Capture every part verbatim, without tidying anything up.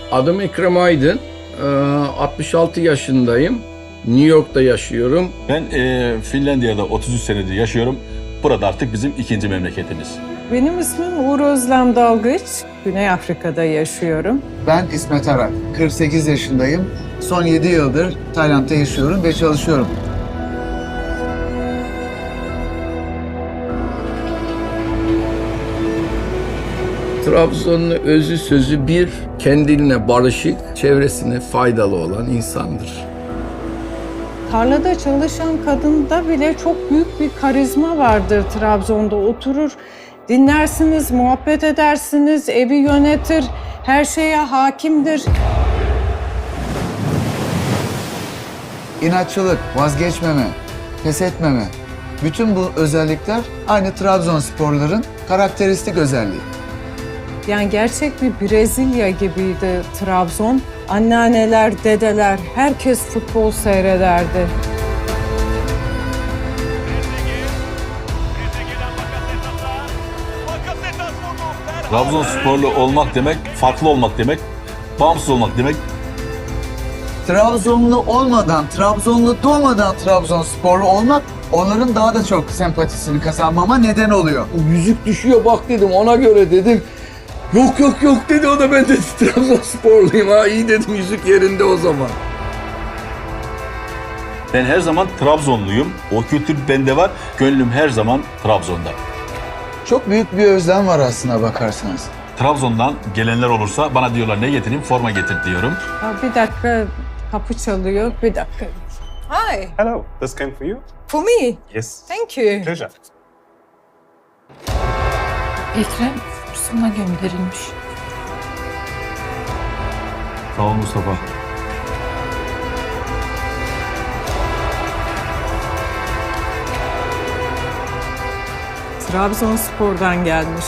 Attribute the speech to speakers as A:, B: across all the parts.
A: Adım Ekrem Aydın. altmış altı yaşındayım. New York'ta yaşıyorum.
B: Ben e, Finlandiya'da otuz üç senedir yaşıyorum. Burada artık bizim ikinci memleketimiz.
C: Benim ismim Uğur Özlem Dalgıç. Güney Afrika'da yaşıyorum.
D: Ben İsmet Arak, kırk sekiz yaşındayım. Son yedi yıldır Tayland'da yaşıyorum ve çalışıyorum.
A: Trabzon'un özü sözü bir, kendine barışık, çevresine faydalı olan insandır.
C: Tarlada çalışan kadında bile çok büyük bir karizma vardır Trabzon'da. Oturur, dinlersiniz, muhabbet edersiniz, evi yönetir, her şeye hakimdir.
D: İnatçılık, vazgeçmeme, pes etmeme. Bütün bu özellikler aynı Trabzonsporların karakteristik özelliği.
C: Yani gerçek bir Brezilya gibiydi Trabzon. Anneanneler, dedeler, herkes futbol seyrederdi.
B: Trabzonsporlu olmak demek, farklı olmak demek, bağımsız olmak demek.
D: Trabzonlu olmadan, Trabzonlu doğmadan Trabzonsporlu olmak onların daha da çok sempatisini kazanmama neden oluyor.
A: Yüzük düşüyor bak dedim, ona göre dedim. Yok yok yok dedi, o da ben de Trabzonsporluyum ha, iyi dedim, yüzük yerinde o zaman.
B: Ben her zaman Trabzonluyum. O kültür bende var. Gönlüm her zaman Trabzon'da.
D: Çok büyük bir özlem var aslına bakarsanız.
B: Trabzon'dan gelenler olursa bana diyorlar ne getireyim? Forma getir diyorum.
C: Ya bir dakika, kapı çalıyor. Bir dakika. Hi,
E: Hello, this came for you?
C: for me.
E: Yes.
C: Thank you.
E: Pleasure.
F: Ekrem sana gönderilmiş.
B: Sağ ol Mustafa.
C: Trabzonspor'dan gelmiş.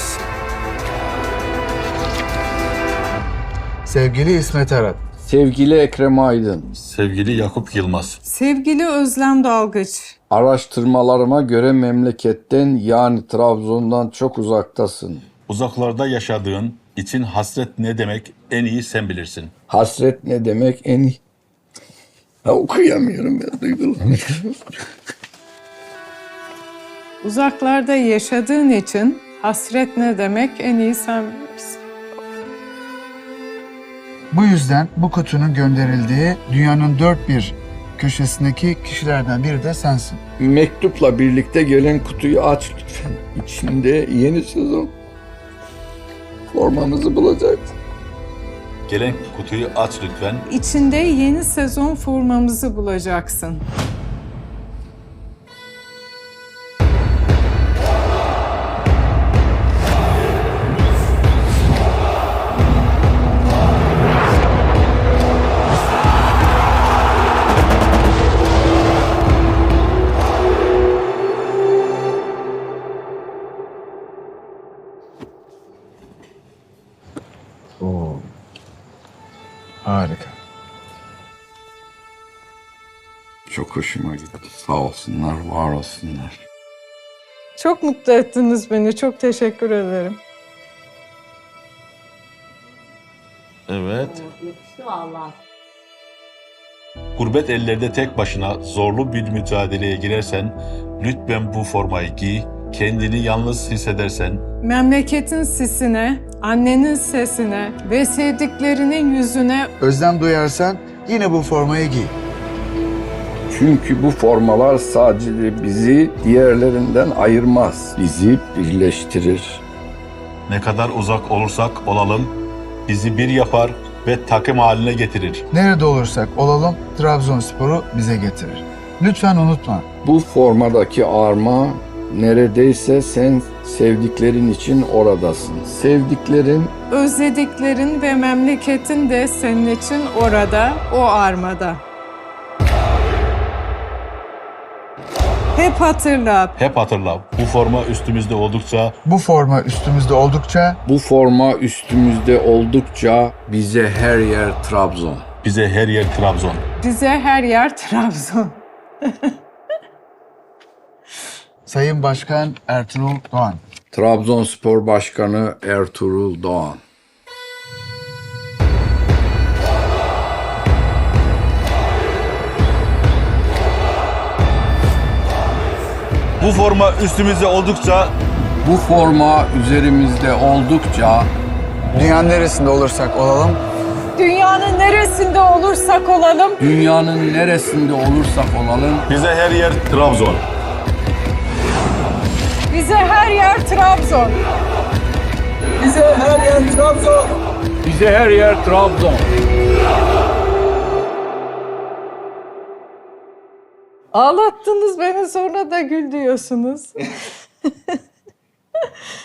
D: Sevgili İsmet Arak,
A: Sevgili Ekrem Aydın,
B: Sevgili Yakup Yılmaz.
C: Sevgili Özlem Dalgıç.
A: araştırmalarıma göre memleketten yani Trabzon'dan çok uzaktasın.
B: Uzaklarda yaşadığın için hasret ne demek en iyi sen bilirsin.
A: Hasret ne demek en iyi? Ha, okuyamıyorum ya, duygulanıyorum.
C: Uzaklarda yaşadığın için hasret ne demek en iyi sen bilirsin.
D: bu yüzden bu kutunun gönderildiği dünyanın dört bir köşesindeki kişilerden biri de sensin.
A: Mektupla birlikte gelen kutuyu aç lütfen. İçinde yeni sezon formamızı bulacaksın.
B: Gelen kutuyu aç lütfen.
C: İçinde yeni sezon formamızı bulacaksın.
D: Harika.
A: Çok hoşuma gitti. Sağ olsunlar, var olsunlar.
C: Çok mutlu ettiniz beni. Çok teşekkür ederim.
B: Evet. Gurbet ellerde tek başına zorlu bir mücadeleye girersen, lütfen bu formayı giy, kendini yalnız hissedersen,
C: Memleketin sisine, annenin sesine ve sevdiklerinin yüzüne
D: Özlem duyarsan yine bu formayı giy.
A: Çünkü bu formalar sadece bizi diğerlerinden ayırmaz. Bizi birleştirir.
B: ne kadar uzak olursak olalım, bizi bir yapar ve takım haline getirir.
D: Nerede olursak olalım Trabzonspor'u bize getirir. Lütfen unutma.
A: Bu formadaki arma neredeyse sen sevdiklerin için oradasın. Sevdiklerin
C: özlediklerin ve memleketin de senin için orada, o armada. Hep hatırla,
B: Hep hatırla, bu forma üstümüzde oldukça
D: Bu forma üstümüzde oldukça
A: bu forma üstümüzde oldukça bize her yer Trabzon.
B: bize her yer Trabzon.
C: bize her yer Trabzon.
D: Sayın Başkan Ertuğrul Doğan.
A: Trabzonspor Başkanı Ertuğrul Doğan.
B: Bu forma üstümüzde oldukça
A: Bu forma üzerimizde oldukça
D: Dünyanın neresinde olursak olalım
C: Dünyanın neresinde olursak olalım,
A: dünyanın neresinde olursak olalım
B: bize her yer Trabzon.
C: bize her yer Trabzon.
A: bize her yer Trabzon. Bize her yer Trabzon.
C: Ağlattınız beni, sonra da gül diyorsunuz.